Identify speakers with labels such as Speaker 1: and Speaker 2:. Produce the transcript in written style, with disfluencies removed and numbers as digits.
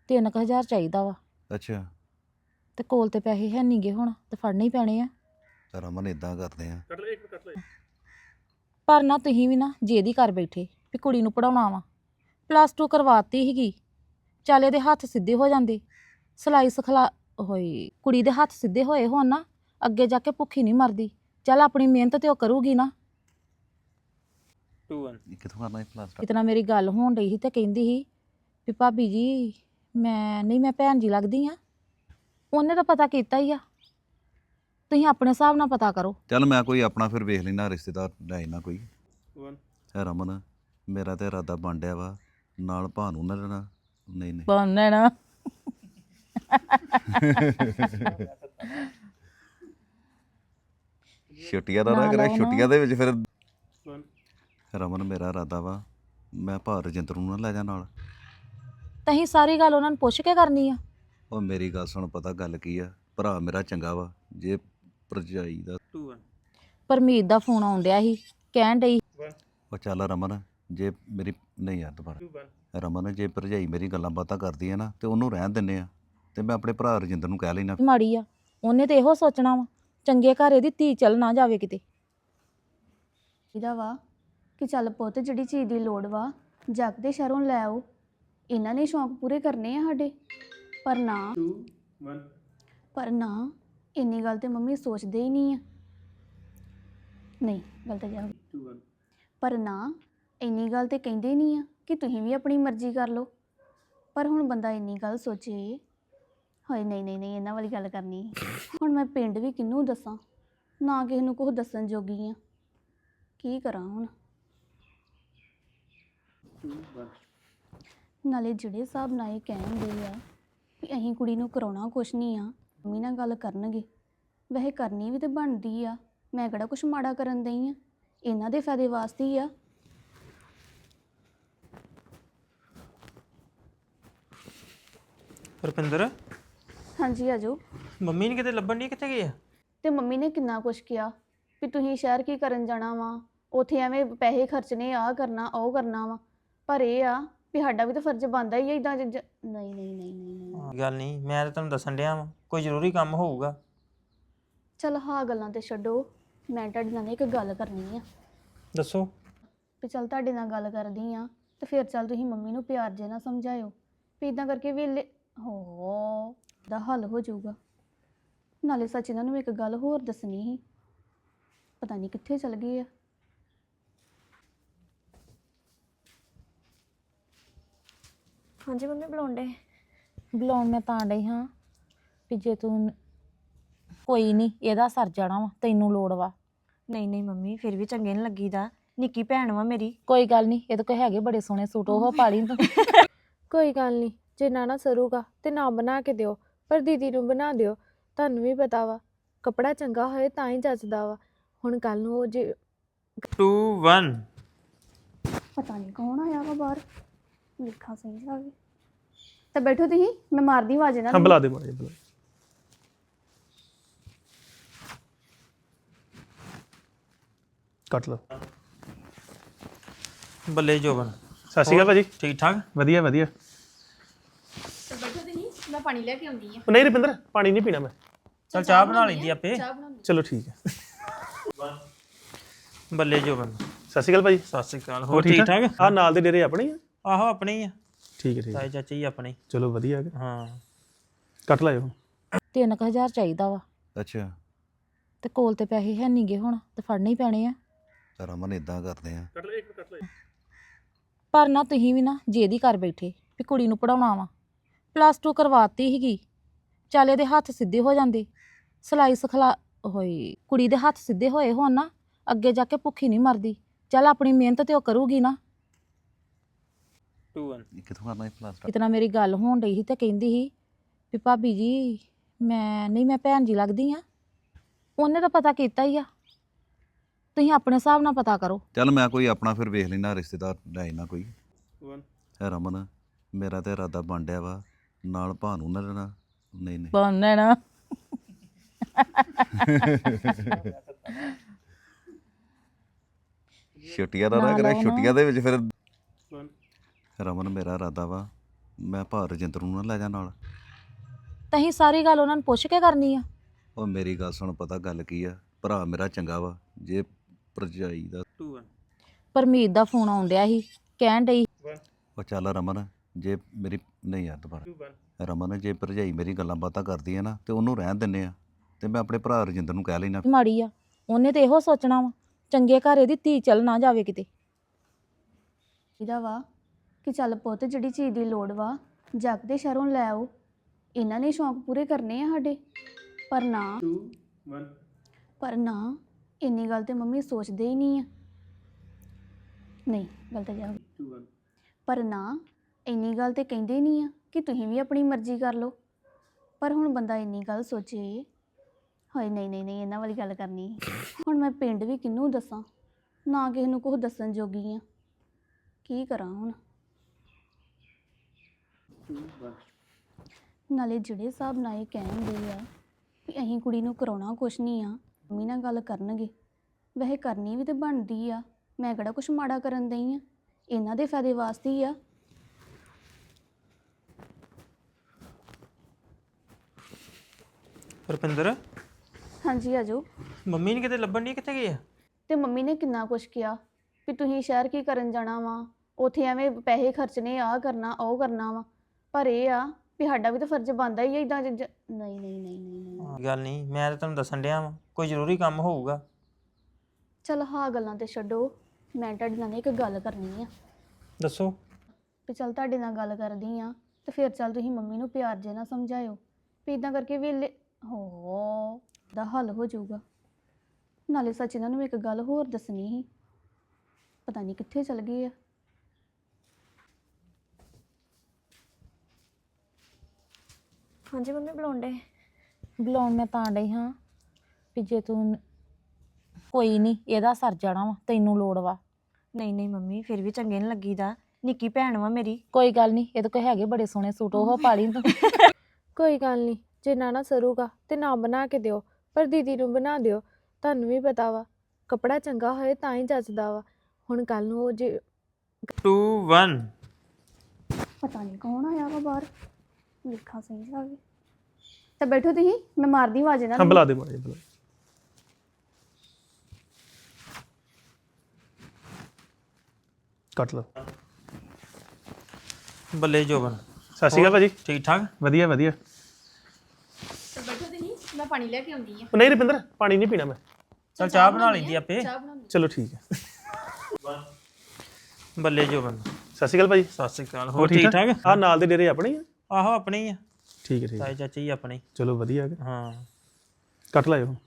Speaker 1: 3000 ਚਾਹੀਦਾ ਵਾ
Speaker 2: ਅੱਛਾ
Speaker 1: ਤੇ ਕੋਲ ਤੇ ਪੈਸੇ ਹੈ ਨਹੀਂਗੇ ਹੁਣ ਤੇ ਫੜਨੇ ਹੀ ਪੈਣੇ ਆ।
Speaker 2: ਤਾਂ ਰਮਨ ਇਦਾਂ ਕਰਦੇ ਆ।
Speaker 1: ਪਰ ਨਾ ਤੁਸੀਂ ਵੀ ਨਾ ਜੇਦੀ ਕਰ ਬੈਠੇ ਵੀ ਕੁੜੀ ਨੂੰ ਪੜਾਉਣਾ ਵਾ। +2 ਕਰਵਾਤੀ ਸੀਗੀ, ਚੱਲ ਇਹਦੇ ਹੱਥ ਸਿੱਧੇ ਹੋ ਜਾਂਦੇ, ਸਿਲਾਈ ਸਿਖਲਾ ਹੋਈ ਕੁੜੀ ਦੇ ਹੱਥ ਸਿੱਧੇ ਹੋਏ ਹੋਣ ਨਾ, ਅੱਗੇ ਜਾ ਕੇ ਭੁੱਖੀ ਨਹੀਂ ਮਰਦੀ। ਚੱਲ ਆਪਣੀ ਮਿਹਨਤ ਤੇ ਉਹ ਕਰੂਗੀ ਨਾ।
Speaker 3: 2 1
Speaker 2: ਇਹ ਕਿੱਥੋਂ ਕਰਨਾ ਇਹ ਪਲਾਸਟਰ?
Speaker 1: ਕਿਤਨਾ ਮੇਰੀ ਗੱਲ ਹੋਣ ਰਹੀ ਸੀ ਤੇ ਕਹਿੰਦੀ ਸੀ ਵੀ ਭਾਬੀ ਜੀ ਮੈਂ ਭੈਣ ਜੀ ਲੱਗਦੀ ਆ। ਉਹਨੇ ਤਾਂ ਪਤਾ ਕੀਤਾ ਹੀ ਆ, ਤੁਸੀਂ ਆਪਣੇ ਹਿਸਾਬ ਨਾਲ ਪਤਾ ਕਰੋ।
Speaker 2: ਚੱਲ ਮੈਂ ਕੋਈ ਆਪਣਾ ਫਿਰ ਵੇਖ ਲੈਣਾ ਰਿਸ਼ਤੇਦਾਰ ਲੈ ਨਾ ਕੋਈ।
Speaker 3: 1
Speaker 2: ਰਮਨ ਮੇਰਾ ਤੇ ਇਰਾਦਾ ਬਣ ਡਿਆ ਵਾ ਨਾਲ ਭਾਨੂੰ ਨਾ ਲੈਣਾ। ਨਹੀਂ ਨਹੀਂ
Speaker 1: ਬੰਨਣਾ
Speaker 2: ਛੁੱਟੀਆਂ ਦਾ ਨਾ
Speaker 1: ਨਾਲ
Speaker 2: ਕਰੇ,
Speaker 1: ਆਉਣਾ।
Speaker 2: ਛੁੱਟੀਆਂ ਦੇ ਵਿੱਚ ਫਿਰ
Speaker 3: 1
Speaker 2: ਰਮਨ ਮੇਰਾ ਇਰਾਦਾ ਵਾ ਮੈਂ ਭਾ ਰਜਿੰਦਰ ਨੂੰ ਨਾ ਲੈ ਜਾ ਨਾਲ।
Speaker 1: ਤਹੀਂ ਸਾਰੀ ਗੱਲ ਉਹਨਾਂ ਨੂੰ ਪੁੱਛ ਕੇ ਕਰਨੀ ਆ।
Speaker 2: ਉਹ ਮੇਰੀ ਗੱਲ ਸੁਣ, ਪਤਾ ਗੱਲ ਕੀ ਆ, ਭਰਾ ਮੇਰਾ ਚੰਗਾ ਵਾ, ਜੇ ਭਰਜਾਈ ਦਾ
Speaker 3: 2 1
Speaker 1: ਪਰਮੀਤ ਦਾ ਫੋਨ ਆਉਣ ਡਿਆ ਸੀ, ਕਹਿਣ ਡਈ
Speaker 3: 1
Speaker 2: ਉਹ ਚੱਲ ਰਮਨ ਜੇ ਮੇਰੀ ਨਹੀਂ ਯਾਰ ਦੁਬਾਰਾ
Speaker 3: 2 1
Speaker 2: ਰਮਨ ਜੇ ਭਰਜਾਈ ਮੇਰੀ ਗੱਲਾਂ ਬਾਤਾਂ ਕਰਦੀ ਹੈ ਨਾ ਤੇ ਉਹਨੂੰ ਰਹਿਣ ਦਿੰਦੇ ਆ ਤੇ ਮੈਂ ਆਪਣੇ ਭਰਾ ਰਜਿੰਦਰ ਨੂੰ ਕਹਿ ਲੈਣਾ।
Speaker 1: ਮਾੜੀ ਆ, ਉਹਨੇ ਤੇ ਇਹੋ ਸੋਚਣਾ ਵਾ ਚੰਗੇ ਘਰ ਇਹਦੀ ਧੀ ਚੱਲ ਨਾ ਜਾਵੇ ਕਿਤੇ।
Speaker 4: ਇਹਦਾ ਵਾ ਕਿ ਚੱਲ ਪੁੱਤ ਜਿਹੜੀ ਚੀਜ਼ ਦੀ ਲੋੜ ਵਾ ਜੱਗ ਦੇ ਸ਼ਹਿਰੋਂ ਲੈ ਆਓ, ਇਹਨਾਂ ਨੇ ਸ਼ੌਂਕ ਪੂਰੇ ਕਰਨੇ ਆ ਸਾਡੇ। ਪਰ ਨਾ
Speaker 3: 2 1
Speaker 4: ਪਰ ਨਾ ਇੰਨੀ ਗੱਲ ਤੇ ਮੰਮੀ ਸੋਚਦੇ ਹੀ ਨਹੀਂ ਆ। ਨਹੀਂ ਗਲਤ ਜਾ
Speaker 3: 2 1
Speaker 4: ਪਰ ਨਾ ਇੰਨੀ ਗੱਲ ਤੇ ਕਹਿੰਦੇ ਹੀ ਨਹੀਂ ਆ ਕਿ ਤੁਸੀਂ ਵੀ ਆਪਣੀ ਮਰਜ਼ੀ ਕਰ ਲਓ। ਪਰ ਹੁਣ ਬੰਦਾ ਇੰਨੀ ਗੱਲ ਸੋਚੇ, ਹਾਏ ਨਹੀਂ ਨਹੀਂ ਨਹੀਂ ਇਹਨਾਂ ਵਾਲੀ ਗੱਲ ਕਰਨੀ। ਹੁਣ ਮੈਂ ਪਿੰਡ ਵੀ ਕਿਹਨੂੰ ਦੱਸਾਂ, ਨਾ ਕਿਸੇ ਨੂੰ ਕੁਛ ਦੱਸਣ ਜੋਗੀ ਆ। ਕੀ ਕਰਾਂ ਹੁਣ?
Speaker 3: 2 1
Speaker 4: ਨਾਲੇ ਜਿਹੜੇ ਹਿਸਾਬ ਨਾਲ ਇਹ ਕਹਿੰਦੇ ਆ ਵੀ ਅਸੀਂ ਕੁੜੀ ਨੂੰ ਕਰਾਉਣਾ ਕੁਛ ਨਹੀਂ ਆ, ਮੰਮੀ ਨਾਲ ਗੱਲ ਕਰਨਗੇ। ਵੈਸੇ ਕਰਨੀ ਵੀ ਤੇ ਬਣਦੀ ਆ, ਮੈਂ ਕਿਹੜਾ ਕੁਛ ਮਾੜਾ ਕਰਨ ਦਈ ਆ, ਇਹਨਾਂ ਦੇ ਫਾਇਦੇ ਵਾਸਤੇ ਹੀ ਆ।
Speaker 3: ਰੁਪਿੰਦਰ
Speaker 4: ਹਾਂਜੀ ਆਜੋ।
Speaker 3: ਮੰਮੀ ਨੇ ਕਿਤੇ ਲੱਭਣ ਨਹੀਂ, ਕਿੱਥੇ ਗਏ ਆ?
Speaker 4: ਤੇ ਮੰਮੀ ਨੇ ਕਿੰਨਾ ਕੁਛ ਕਿਹਾ ਵੀ ਤੁਸੀਂ ਸ਼ਹਿਰ ਕੀ ਕਰਨ ਜਾਣਾ ਵਾ, ਉੱਥੇ ਐਵੇਂ ਪੈਸੇ ਖਰਚਣੇ, ਆਹ ਕਰਨਾ ਉਹ ਕਰਨਾ ਵਾ। ਪਰ ਇਹ ਆ ਵੀ ਸਾਡਾ ਵੀ ਤਾਂ ਫਰਜ਼ ਬਣਦਾ ਹੀ ਆ ਇਦਾਂ। ਨਹੀਂ ਨਹੀਂ ਨਹੀਂ ਨਹੀਂ ਨਹੀਂ
Speaker 3: ਗੱਲ ਨਹੀਂ, ਮੈਂ ਤਾਂ ਤੁਹਾਨੂੰ ਦੱਸਣ ਡਿਆ ਵਾਂ, ਕੋਈ ਜ਼ਰੂਰੀ ਕੰਮ ਹੋਊਗਾ।
Speaker 4: ਚਲ ਹਾਂ ਗੱਲਾਂ ਤੇ ਛੱਡੋ, ਮੈਂ ਤੁਹਾਡੇ ਨਾਲ ਇੱਕ ਗੱਲ ਕਰਨੀ ਆ।
Speaker 3: ਦੱਸੋ।
Speaker 4: ਵੀ ਚੱਲ ਤੁਹਾਡੇ ਨਾਲ ਗੱਲ ਕਰਦੀ ਆ ਤੇ ਫਿਰ ਚੱਲ ਤੁਸੀਂ ਮੰਮੀ ਨੂੰ ਪਿਆਰ ਜੇ ਨਾਲ ਸਮਝਾਇਓ ਵੀ ਇਦਾਂ ਕਰਕੇ ਵੇਲੇ ਹੋ ਦਾ ਹੱਲ ਹੋ ਜਾਊਗਾ। ਨਾਲੇ ਸੱਚ ਇਹਨਾਂ ਨੂੰ ਇੱਕ ਗੱਲ ਹੋਰ ਦੱਸਣੀ ਸੀ, ਪਤਾ ਨਹੀਂ ਕਿੱਥੇ ਚਲ ਗਏ ਆ।
Speaker 5: ਹਾਂਜੀ ਮੰਮੀ ਬੁਲਾਉਂਦੇ।
Speaker 1: ਬੁਲਾਉਣ ਮੈਂ ਤਾਂ ਡਈ ਹਾਂ ਵੀ ਜੇ ਤੂੰ ਕੋਈ ਨਹੀਂ ਇਹਦਾ ਸਰ ਜਾਣਾ ਵਾ, ਤੈਨੂੰ ਲੋੜ ਵਾ।
Speaker 5: ਨਹੀਂ ਨਹੀਂ ਮੰਮੀ ਫਿਰ ਵੀ ਚੰਗੇ ਨਹੀਂ ਲੱਗੀਦਾ, ਨਿੱਕੀ ਭੈਣ ਵਾ ਮੇਰੀ।
Speaker 1: ਕੋਈ ਗੱਲ ਨਹੀਂ, ਇਹਦੇ ਕੋਲ ਹੈਗੇ ਬੜੇ ਸੋਹਣੇ ਸੂਟ, ਉਹ ਪਾ ਲਈ ਤੂੰ।
Speaker 6: ਕੋਈ ਗੱਲ ਨਹੀਂ, ਜੇ ਨਾ ਸਰੂਗਾ ਤੇ ਨਾ ਬਣਾ ਕੇ ਦਿਓ, ਪਰ ਦੀਦੀ ਨੂੰ ਬਣਾ ਦਿਓ। ਤੁਹਾਨੂੰ ਵੀ ਪਤਾ ਵਾ ਕੱਪੜਾ ਚੰਗਾ ਹੋਏ ਤਾਂ ਹੀ ਜੱਚਦਾ ਵਾ। ਹੁਣ ਕੱਲ ਨੂੰ ਉਹ ਜੇ
Speaker 3: 2 1
Speaker 4: ਪਤਾ ਨਹੀਂ ਕੌਣ ਆਇਆ ਵਾ ਬਾਹਰ, ਵੇਖਾਂ ਸਹੀ ਜਾ ਕੇ। ਤਾਂ ਬੈਠੋ ਤੁਸੀਂ, ਮੈਂ ਮਾਰਦੀ ਆਵਾਜ਼ ਇਹਨਾਂ ਨੂੰ।
Speaker 7: ਬੁਲਾ ਦੇ ਮਾਰੇ ਬੁਲਾ। ਕੱਟ ਲਓ।
Speaker 3: ਬੱਲੇ ਜੋਬਨ,
Speaker 7: ਸਤਿ ਸ਼੍ਰੀ ਅਕਾਲ ਭਾਜੀ।
Speaker 3: ਠੀਕ ਠਾਕ?
Speaker 7: ਵਧੀਆ ਵਧੀਆ।
Speaker 4: ਬੈਠੋ ਤੁਸੀਂ, ਮੈਂ ਪਾਣੀ ਲੈ ਕੇ ਆਉਂਦੀ ਆ।
Speaker 7: ਉਹ ਨਹੀਂ ਰੁਪਿੰਦਰ, ਪਾਣੀ ਨਹੀਂ ਪੀਣਾ ਮੈਂ।
Speaker 3: ਚਲ ਚਾਹ ਬਣਾ ਲੈਂਦੀ ਆਪੇ।
Speaker 7: ਚਲੋ ਠੀਕ ਹੈ।
Speaker 3: ਬੱਲੇ ਜੋਬਨ,
Speaker 7: ਸਤਿ ਸ਼੍ਰੀ ਅਕਾਲ ਭਾਜੀ।
Speaker 3: ਸਤਿ ਸ਼੍ਰੀ ਅਕਾਲ। ਹੋਰ ਠੀਕ ਠਾਕ?
Speaker 7: ਆ ਨਾਲ ਦੇ ਡੇਰੇ ਆਪਣੇ ਹੀ ਆ?
Speaker 3: ਆਹੋ ਆਪਣੇ ਹੀ ਆ,
Speaker 7: ਠੀਕ ਹੈ ਠੀਕ ਹੈ।
Speaker 3: ਤਾਏ ਚਾਚੇ ਹੀ ਆਪਣੇ।
Speaker 7: ਚਲੋ ਵਧੀਆ ਹੈ।
Speaker 3: ਹਾਂ
Speaker 7: ਕੱਟ ਲਾਇਓ।
Speaker 1: 3000 ਚਾਹੀਦਾ ਵਾ
Speaker 2: ਅੱਛਾ
Speaker 1: ਤੇ ਕੋਲ ਤੇ ਪੈਸੇ ਹੈ ਨਹੀਂਗੇ ਹੁਣ ਤੇ ਫੜਨੇ ਹੀ ਪੈਣੇ ਆ।
Speaker 2: ਤਾਂ ਰਮਨ ਇਦਾਂ ਕਰਦੇ ਆ।
Speaker 1: ਪਰ ਨਾ ਤੁਸੀਂ ਵੀ ਨਾ ਜੇਦੀ ਕਰ ਬੈਠੇ ਵੀ ਕੁੜੀ ਨੂੰ ਪੜਾਉਣਾ ਵਾ। +2 ਕਰਵਾਤੀ ਸੀਗੀ, ਚੱਲ ਇਹਦੇ ਹੱਥ ਸਿੱਧੇ ਹੋ ਜਾਂਦੇ, ਸਿਲਾਈ ਸਿਖਲਾ ਹੋਈ ਕੁੜੀ ਦੇ ਹੱਥ ਸਿੱਧੇ ਹੋਏ ਹੋਣ ਨਾ, ਅੱਗੇ ਜਾ ਕੇ ਭੁੱਖੀ ਨਹੀਂ ਮਰਦੀ। ਚੱਲ ਆਪਣੀ ਮਿਹਨਤ ਤੇ ਉਹ ਕਰੂਗੀ ਨਾ।
Speaker 3: 2 1
Speaker 2: ਇਹ ਕਿੱਥੋਂ ਕਰਨਾ ਇਹ ਪਲਾਸਟਰ?
Speaker 1: ਕਿਤਨਾ ਮੇਰੀ ਗੱਲ ਹੋਣ ਰਹੀ ਸੀ ਤੇ ਕਹਿੰਦੀ ਸੀ ਵੀ ਭਾਬੀ ਜੀ ਮੈਂ ਭੈਣ ਜੀ ਲੱਗਦੀ ਆ। ਉਹਨੇ ਤਾਂ ਪਤਾ ਕੀਤਾ ਹੀ ਆ, ਤੁਸੀਂ ਆਪਣੇ ਹਿਸਾਬ ਨਾਲ ਪਤਾ ਕਰੋ।
Speaker 2: ਚੱਲ ਮੈਂ ਕੋਈ ਆਪਣਾ ਫਿਰ ਵੇਖ ਲੈਣਾ ਰਿਸ਼ਤੇਦਾਰ ਲੈ ਨਾ ਕੋਈ।
Speaker 3: 1
Speaker 2: ਰਮਨ ਮੇਰਾ ਤੇ ਇਰਾਦਾ ਬਣ ਡਿਆ ਵਾ ਨਾਲ ਭਾਨੂੰ ਨਾ ਲੈਣਾ। ਨਹੀਂ ਨਹੀਂ
Speaker 1: ਬੰਨਣਾ
Speaker 2: ਛੁੱਟੀਆਂ ਦਾ ਨਾ
Speaker 1: ਨਾਲ
Speaker 2: ਕਰੇ,
Speaker 1: ਆਉਣਾ।
Speaker 2: ਛੁੱਟੀਆਂ ਦੇ ਵਿੱਚ ਫਿਰ
Speaker 3: 1
Speaker 2: ਰਮਨ ਮੇਰਾ ਇਰਾਦਾ ਵਾ ਮੈਂ ਭਾ ਰਜਿੰਦਰ ਨੂੰ ਨਾ ਲੈ ਜਾ ਨਾਲ।
Speaker 1: ਤਹੀਂ ਸਾਰੀ ਗੱਲ ਉਹਨਾਂ ਨੂੰ ਪੁੱਛ ਕੇ ਕਰਨੀ ਆ।
Speaker 2: ਉਹ ਮੇਰੀ ਗੱਲ ਸੁਣ, ਪਤਾ ਗੱਲ ਕੀ ਆ, ਭਰਾ ਮੇਰਾ ਚੰਗਾ ਵਾ, ਜੇ ਭਰਜਾਈ ਦਾ
Speaker 3: 2 1
Speaker 1: ਪਰਮੀਤ ਦਾ ਫੋਨ ਆਉਣ ਡਿਆ ਸੀ, ਕਹਿਣ ਡਈ
Speaker 2: ਉਹ ਚੱਲ ਰਮਨ, ਜੇ ਮੇਰੀ ਨਹੀਂ ਯਾਰ ਦੁਬਾਰਾ
Speaker 3: 2 1
Speaker 2: ਰਮਨ, ਜੇ ਭਰਜਾਈ ਮੇਰੀ ਗੱਲਾਂ ਬਾਤਾਂ ਕਰਦੀ ਹੈ ਨਾ ਤੇ ਉਹਨੂੰ ਰਹਿਣ ਦਿੰਦੇ ਆ, ਤੇ ਮੈਂ ਆਪਣੇ ਭਰਾ ਰਜਿੰਦਰ ਨੂੰ ਕਹਿ ਲੈਣਾ।
Speaker 1: ਮਾੜੀ ਆ, ਉਹਨੇ ਤੇ ਇਹੋ ਸੋਚਣਾ ਵਾ ਚੰਗੇ ਘਰ ਇਹਦੀ ਧੀ ਚੱਲ ਨਾ ਜਾਵੇ ਕਿਤੇ।
Speaker 4: ਇਹਦਾ ਵਾ ਕਿ ਚੱਲ ਪੁੱਤ ਜਿਹੜੀ ਚੀਜ਼ ਦੀ ਲੋੜ ਵਾ ਜੱਗ ਦੇ ਸ਼ਹਿਰੋਂ ਲੈ ਆਓ, ਇਹਨਾਂ ਨੇ ਸ਼ੌਂਕ ਪੂਰੇ ਕਰਨੇ ਆ ਸਾਡੇ। ਪਰ ਨਾ
Speaker 3: 2 1
Speaker 4: ਪਰ ਨਾ ਇੰਨੀ ਗੱਲ ਤੇ ਮੰਮੀ ਸੋਚਦੇ ਹੀ ਨਹੀਂ ਆ। ਨਹੀਂ ਗਲਤ ਜਾ
Speaker 3: 2 1
Speaker 4: ਪਰ ਨਾ ਇੰਨੀ ਗੱਲ ਤੇ ਕਹਿੰਦੇ ਨਹੀਂ ਆ ਕਿ ਤੁਸੀਂ ਵੀ ਆਪਣੀ ਮਰਜ਼ੀ ਕਰ ਲਓ। ਪਰ ਹੁਣ ਬੰਦਾ ਇੰਨੀ ਗੱਲ ਸੋਚੇ, ਹਾਏ ਨਹੀਂ ਨਹੀਂ ਨਹੀਂ ਇਹਨਾਂ ਵਾਲੀ ਗੱਲ ਕਰਨੀ। ਹੁਣ ਮੈਂ ਪਿੰਡ ਵੀ ਕਿਹਨੂੰ ਦੱਸਾਂ, ਨਾ ਕਿਸੇ ਨੂੰ ਕੁਛ ਦੱਸਣ ਜੋਗੀ ਆ। ਕੀ ਕਰਾਂ ਹੁਣ?
Speaker 3: 2 1
Speaker 4: ਨਾਲੇ ਜਿਹੜੇ ਹਿਸਾਬ ਨਾਲ ਇਹ ਕਹਿੰਦੇ ਆ ਵੀ ਅਸੀਂ ਕੁੜੀ ਨੂੰ ਕਰਾਉਣਾ ਕੁਛ ਨਹੀਂ ਆ, ਮੰਮੀ ਨਾਲ ਗੱਲ ਕਰਨਗੇ। ਵੈਸੇ ਕਰਨੀ ਵੀ ਤੇ ਬਣਦੀ ਆ, ਮੈਂ ਕਿਹੜਾ ਕੁਛ ਮਾੜਾ ਕਰਨ ਦਈ ਆ, ਇਹਨਾਂ ਦੇ ਫਾਇਦੇ ਵਾਸਤੇ ਹੀ ਆ।
Speaker 3: ਰੁਪਿੰਦਰ
Speaker 4: ਹਾਂਜੀ ਆਜੋ।
Speaker 3: ਮੰਮੀ ਨੇ ਕਿਤੇ ਲੱਭਣ ਨਹੀਂ, ਕਿੱਥੇ ਗਏ ਆ?
Speaker 4: ਤੇ ਮੰਮੀ ਨੇ ਕਿੰਨਾ ਕੁਛ ਕਿਹਾ ਵੀ ਤੁਸੀਂ ਸ਼ਹਿਰ ਕੀ ਕਰਨ ਜਾਣਾ ਵਾ, ਉੱਥੇ ਐਵੇਂ ਪੈਸੇ ਖਰਚਣੇ, ਆਹ ਕਰਨਾ ਉਹ ਕਰਨਾ ਵਾ। ਪਰ ਇਹ ਆ ਵੀ ਸਾਡਾ ਵੀ ਤਾਂ ਫਰਜ਼ ਬਣਦਾ ਹੀ ਆ ਇਦਾਂ ਨਹੀਂ ਨਹੀਂ ਨਹੀਂ ਨਹੀਂ ਨਹੀਂ।
Speaker 3: ਗੱਲ ਨਹੀਂ, ਮੈਂ ਤਾਂ ਤੁਹਾਨੂੰ ਦੱਸਣ ਡਿਆ ਵਾਂ, ਕੋਈ ਜ਼ਰੂਰੀ ਕੰਮ ਹੋਊਗਾ।
Speaker 4: ਚਲ ਹਾਂ ਗੱਲਾਂ ਤੇ ਛੱਡੋ, ਮੈਂ ਤੁਹਾਡੇ ਨਾਲ ਇੱਕ ਗੱਲ ਕਰਨੀ ਆ।
Speaker 3: ਦੱਸੋ।
Speaker 4: ਵੀ ਚੱਲ ਤੁਹਾਡੇ ਨਾਲ ਗੱਲ ਕਰਦੀ ਆ ਤੇ ਫਿਰ ਚੱਲ ਤੁਸੀਂ ਮੰਮੀ ਨੂੰ ਪਿਆਰ ਜੇ ਨਾਲ ਸਮਝਾਇਓ ਵੀ ਇਦਾਂ ਕਰਕੇ ਵੇਲੇ ਹੋ ਦਾ ਹੱਲ ਹੋ ਜਾਊਗਾ। ਨਾਲੇ ਸੱਚ ਇਹਨਾਂ ਨੂੰ ਇੱਕ ਗੱਲ ਹੋਰ ਦੱਸਣੀ ਸੀ, ਪਤਾ ਨਹੀਂ ਕਿੱਥੇ ਚਲ ਗਏ ਆ।
Speaker 5: ਹਾਂਜੀ ਮੰਮੀ ਬੁਲਾਉਂਦੇ।
Speaker 1: ਬੁਲਾਉਣ ਮੈਂ ਤਾਂ ਡਈ ਹਾਂ ਵੀ ਜੇ ਤੂੰ ਕੋਈ ਨਹੀਂ ਇਹਦਾ ਸਰ ਜਾਣਾ ਵਾ, ਤੈਨੂੰ ਲੋੜ ਵਾ।
Speaker 5: ਨਹੀਂ ਨਹੀਂ ਮੰਮੀ ਫਿਰ ਵੀ ਚੰਗੇ ਨਹੀਂ ਲੱਗੀਦਾ, ਨਿੱਕੀ ਭੈਣ ਵਾ ਮੇਰੀ।
Speaker 1: ਕੋਈ ਗੱਲ ਨਹੀਂ, ਇਹਦੇ ਕੋਲ ਹੈਗੇ ਬੜੇ ਸੋਹਣੇ ਸੂਟ, ਉਹ ਪਾ ਲਈ ਤੂੰ।
Speaker 6: ਕੋਈ ਗੱਲ ਨਹੀਂ, ਜੇ ਨਾ ਸਰੂਗਾ ਤੇ ਨਾ ਬਣਾ ਕੇ ਦਿਓ, ਪਰ ਦੀਦੀ ਨੂੰ ਬਣਾ ਦਿਓ। ਤੁਹਾਨੂੰ ਵੀ ਪਤਾ ਵਾ ਕੱਪੜਾ ਚੰਗਾ ਹੋਏ ਤਾਂ ਹੀ ਜੱਚਦਾ ਵਾ। ਹੁਣ ਕੱਲ ਨੂੰ ਉਹ ਜੇ
Speaker 3: 2 1
Speaker 4: ਪਤਾ ਨਹੀਂ ਕੌਣ ਆਇਆ ਵਾ ਬਾਹਰ, ਵੇਖਾਂ ਸਹੀ ਜਾ ਕੇ। ਤਾਂ ਬੈਠੋ ਤੁਸੀਂ, ਮੈਂ ਮਾਰਦੀ ਆਵਾਜ਼ ਇਹਨਾਂ
Speaker 7: ਹਾਂ
Speaker 4: ਨੂੰ।
Speaker 7: ਬੁਲਾ ਦੇ ਮਾੜੇ ਬੁਲਾ। ਕੱਟ ਲਓ।
Speaker 3: ਬੱਲੇ ਜੋਬਨ,
Speaker 7: ਸਤਿ ਸ਼੍ਰੀ ਅਕਾਲ ਭਾਜੀ।
Speaker 3: ਠੀਕ ਠਾਕ?
Speaker 7: ਵਧੀਆ ਵਧੀਆ।
Speaker 8: ਬੈਠੋ ਤੁਸੀਂ, ਮੈਂ ਪਾਣੀ ਲੈ ਕੇ ਆਉਂਦੀ ਆ।
Speaker 7: ਉਹ ਨਹੀਂ ਰੁਪਿੰਦਰ, ਪਾਣੀ ਨਹੀਂ ਪੀਣਾ ਮੈਂ।
Speaker 3: ਚਲ ਚਾਹ ਬਣਾ ਲੈਂਦੀ ਆਪੇ।
Speaker 7: ਚਲੋ ਠੀਕ ਹੈ।
Speaker 3: ਬੱਲੇ ਜੋਬਨ,
Speaker 7: ਸਤਿ ਸ਼੍ਰੀ ਅਕਾਲ ਭਾਜੀ।
Speaker 3: ਸਤਿ ਸ਼੍ਰੀ ਅਕਾਲ। ਹੋਰ ਠੀਕ ਠਾਕ?
Speaker 7: ਆ ਨਾਲ ਦੇ ਡੇਰੇ ਆਪਣੇ ਹੀ ਆ?
Speaker 3: ਆਹੋ ਆਪਣੇ ਹੀ ਆ,
Speaker 7: ਠੀਕ ਹੈ ਠੀਕ ਹੈ।
Speaker 3: ਤਾਏ ਚਾਚੇ ਹੀ ਆਪਣੇ।
Speaker 7: ਚਲੋ ਵਧੀਆ ਹੈ।
Speaker 3: ਹਾਂ
Speaker 7: ਕੱਟ ਲਾਇਓ।